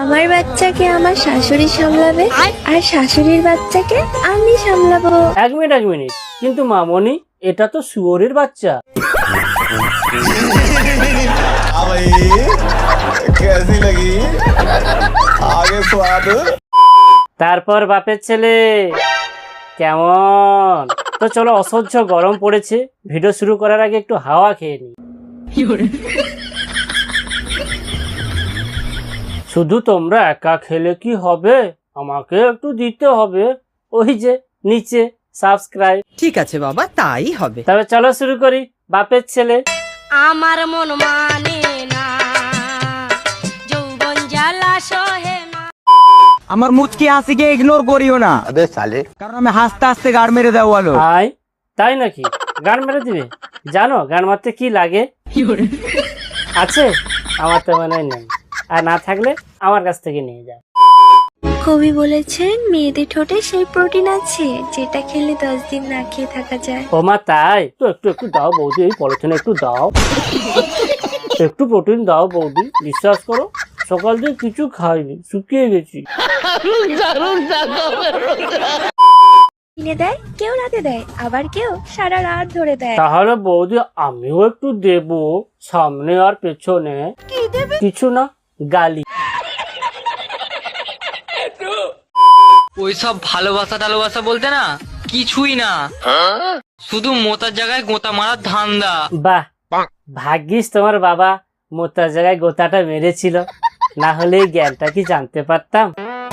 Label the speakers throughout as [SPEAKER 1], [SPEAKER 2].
[SPEAKER 1] আমার বাচ্চাকে আমার শাশুড়ি সামলাবে আর শাশুড়ির বাচ্চাকে আমি সামলাবো।
[SPEAKER 2] এক মিনিট, কিন্তু মামনি এটা তো শুয়োরের বাচ্চা। তারপর বাপের ছেলে কেমন? তো চলো, অসহ্য গরম পড়েছে, ভিডিও শুরু করার আগে একটু হাওয়া খেয়ে নি। শুধু তোমরা একা খেলে কি হবে, আমাকে একটু দিতে হবে। ওই যে নিচে সাবস্ক্রাইব।
[SPEAKER 3] ঠিক আছে বাবা, তাই হবে।
[SPEAKER 2] তবে চলো শুরু করি। বাপের ছেলে।
[SPEAKER 4] আমার মন মানে না, যৌবন জ্বালা সহে না।
[SPEAKER 3] আমার মুচকি হাসিকে ইগনোর করিও না, কারণ আমি হাসতে হাসতে গাড় মেরে দেওয়ালো।
[SPEAKER 2] আয়, তাই নাকি? গান মেরে দিবে? জানো গান মারতে কি লাগে? আছে? আমার তো মনে হয় নেই, আর না থাকলে আমার কাছ থেকে নিয়ে যাও।
[SPEAKER 1] কবি বলেছেন মেয়েদের ঠোঁটে সেই প্রোটিন আছে যেটা খেলে 10 দিন না খেয়ে থাকা যায়।
[SPEAKER 2] ও মা, তাই তো? একটু দাও বৌদি, এই পলিথিনে একটু দাও, একটু প্রোটিন দাও বৌদি। বিশ্বাস করো, সকাল থেকে কিছু খাইনি, শুকিয়ে গেছি।
[SPEAKER 1] কিনে দেয় কেউ, রাতে দেয়, আবার কেউ সারা রাত ধরে দেয়।
[SPEAKER 2] তাহলে বৌদি আমিও একটু দেব, সামনে আর পেছনে। কিছু না, গালি।
[SPEAKER 5] ওইসব ভালোবাসা টালোবাসা বলতে না কিছুই না, শুধু মোতার জায়গায় গোতা মারার ধান্দা।
[SPEAKER 2] বাহ, ভাগ্যিস তোমার বাবা মোতার জায়গায় গোতাটা মেরেছিল, না হলে এই জ্ঞানটা কি জানতে পারতাম?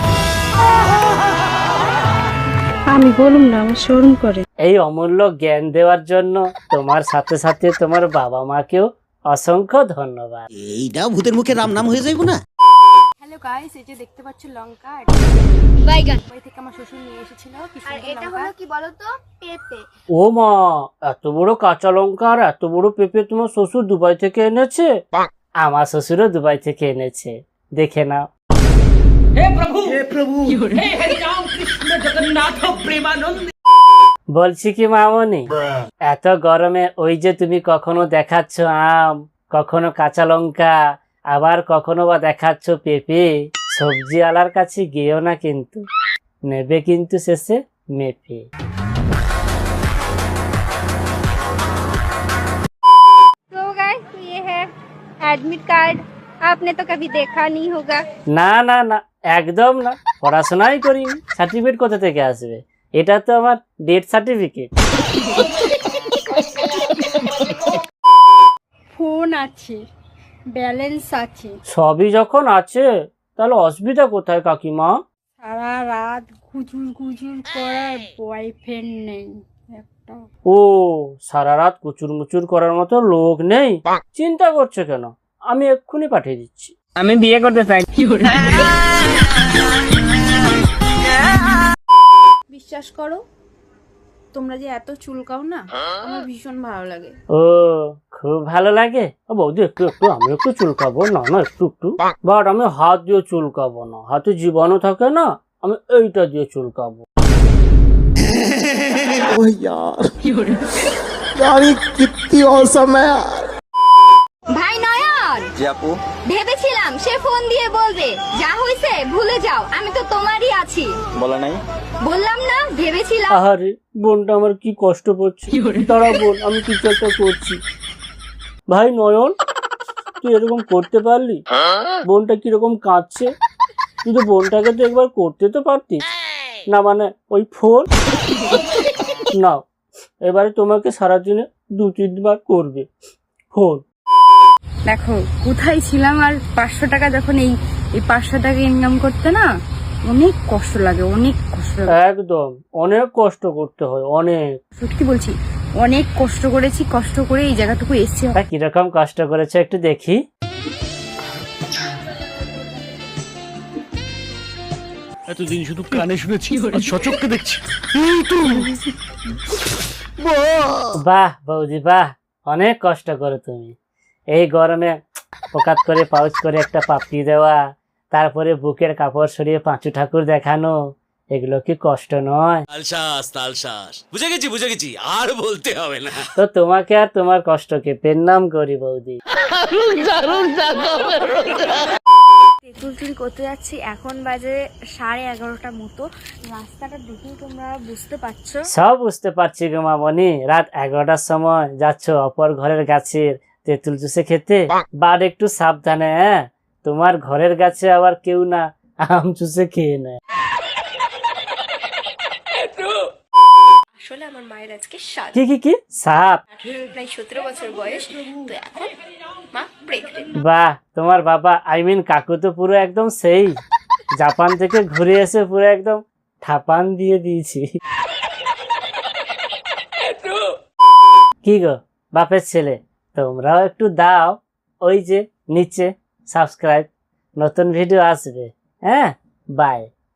[SPEAKER 6] আমি বলুম না, আমার শরম করে।
[SPEAKER 2] এই অমূল্য জ্ঞান দেওয়ার জন্য তোমার সাথে সাথে তোমার বাবা মাকেও অসংখ্য ধন্যবাদ।
[SPEAKER 7] এইটা ভূতের মুখে রাম নাম হয়ে যাইব না?
[SPEAKER 8] হ্যালো গাইস, এই যে দেখতে পাচ্ছ লঙ্কা,
[SPEAKER 4] বাইগান
[SPEAKER 8] বাড়ি থেকে আমার শ্বশুর নিয়ে এসেছিল।
[SPEAKER 1] আর এটা হলো কি বলতো, পেঁপে।
[SPEAKER 2] ও মা, এত বড় কাঁচা লঙ্কা আর এত বড় পেঁপে তোমার শ্বশুর দুবাই থেকে এনেছে? আমার শ্বশুরও দুবাই থেকে এনেছে, দেখে নাও। বলছি কি মামনি, এত গরমে ওই যে তুমি কখনো দেখাচ্ছ আম, কখনো কাঁচা লঙ্কা, আবার কখনো বা দেখাচ্ছ পেঁপে, সবজি আলার কাছে গিয়েও না কিন্তু, নেবে কিন্তু শেষে মেপে।
[SPEAKER 6] तो गाइस, ये है एडमिट कार्ड। आपने तो कभी देखा नहीं होगा।
[SPEAKER 2] না না না, একদম না, পড়াশোনাই করিনি, সার্টিফিকেট কোথা থেকে আসবে? এটা তো আমার ডেথ সার্টিফিকেট।
[SPEAKER 6] ফোন আছে, ব্যালেন্স আছে,
[SPEAKER 2] সবই যখন আছে তাহলে অসুবিধা কোথায় কাকিমা?
[SPEAKER 6] সারা রাত গুজুর গুজুর করার বয়ফ্রেন্ড নেই একটা।
[SPEAKER 2] ও, সারা রাত কুচুর মুচুর করার মতো লোক নেই? চিন্তা করছো কেন, আমি এক্ষুনি পাঠিয়ে দিচ্ছি।
[SPEAKER 3] আমি বিয়ে করতে চাই।
[SPEAKER 8] বিশ্বাস করো, তোমরা যে এত চুলকাও না, আমার ভীষণ ভালো লাগে।
[SPEAKER 2] ও, খুব ভালো লাগে? ও বৌদি, একটু আমি একটু চুলকাবো না? না, একটু বাট আমি হাত দিয়ে চুলকাবো না, হাতে জীবাণু থাকে না, আমি এইটা দিয়ে চুলকাবো।
[SPEAKER 1] ভাই নয়ন, ভেবেছিলাম সে ফোন দিয়ে বলবে যা হইছে ভুলে যাও, আমি তো তোমারই আছি।
[SPEAKER 7] বলা নাই?
[SPEAKER 1] বললাম না, ভেবেছিলাম।
[SPEAKER 2] আহারে, বোনটা আমার কি কষ্ট করছে। দাঁড়া বোন, আমি কিছু একটা করছি। ভাই নয়ন, তুই এরকম করতে পারলি? বোনটা কিরকম কাঁদছে, তুই তো বোনটাকে তো একবার করতে তো পারতিস না, মানে ওই ফোন নাও, এবারে তোমাকে সারাদিনে 2-3 বার করবে ফোন।
[SPEAKER 6] দেখো কোথায় ছিলাম, আর 500 টাকা যখন এই 500 টাকা ইনকাম করতে না অনেক কষ্ট লাগে, অনেক কষ্ট লাগে।
[SPEAKER 2] একদম, অনেক কষ্ট করতে হয়, অনেক।
[SPEAKER 6] সত্যি বলছি, অনেক কষ্ট করেছি, কষ্ট করে এই জায়গাটুকু এসেছি।
[SPEAKER 2] তা কিরকম কষ্ট করেছে একটু দেখি।
[SPEAKER 9] এতদিন শুধু কানে শুনেছি, আজ সচক্ষে দেখছি।
[SPEAKER 2] বাহ বৌদি বাহ, অনেক কষ্ট করো তুমি। এই গরমে পোকাত করে পাউচ করে একটা পাপড়ি দেওয়া, তারপরে বুকের কাপড় সরিয়ে পাঁচু ঠাকুর দেখানো, এগুলো কি কষ্ট নয়?
[SPEAKER 9] তালশ্বাস, বুঝে গেছি, আর বলতে হবে না।
[SPEAKER 2] তো তোমাকে আর তোমার কষ্টকে প্রণাম করি বৌদি।
[SPEAKER 6] তেঁতুল চুরি করতে যাচ্ছি, এখন বাজে 11:30 মতো। রাস্তাটা দেখেই তোমরা বুঝতে পারছো।
[SPEAKER 2] সব বুঝতে পারছি গো মামনি, রাত 11টার সময় যাচ্ছ অপর ঘরের গাছের তেঁতুল চুষে খেতে। বাট একটু সাবধানে, হ্যাঁ, তোমার ঘরের গাছে আবার কেউ না আম চুষে খেয়ে নেয়।
[SPEAKER 1] আসলে আমার মায়ের আজকে সাত
[SPEAKER 2] কি কি কি সাপ?
[SPEAKER 1] প্রায় 17 বছর বয়স, তো এখন মা প্রেগনেন্ট।
[SPEAKER 2] বাহ, তোমার বাবা কাকু তো পুরো একদম সেই জাপান থেকে ঘুরে এসে পুরো একদম ঠাপান দিয়ে দিয়েছি। কি গো বাপের ছেলে, তোমরাও একটু দাও, ওই যে নিচে সাবস্ক্রাইব, নতুন ভিডিও আসবে। হ্যাঁ, বাই।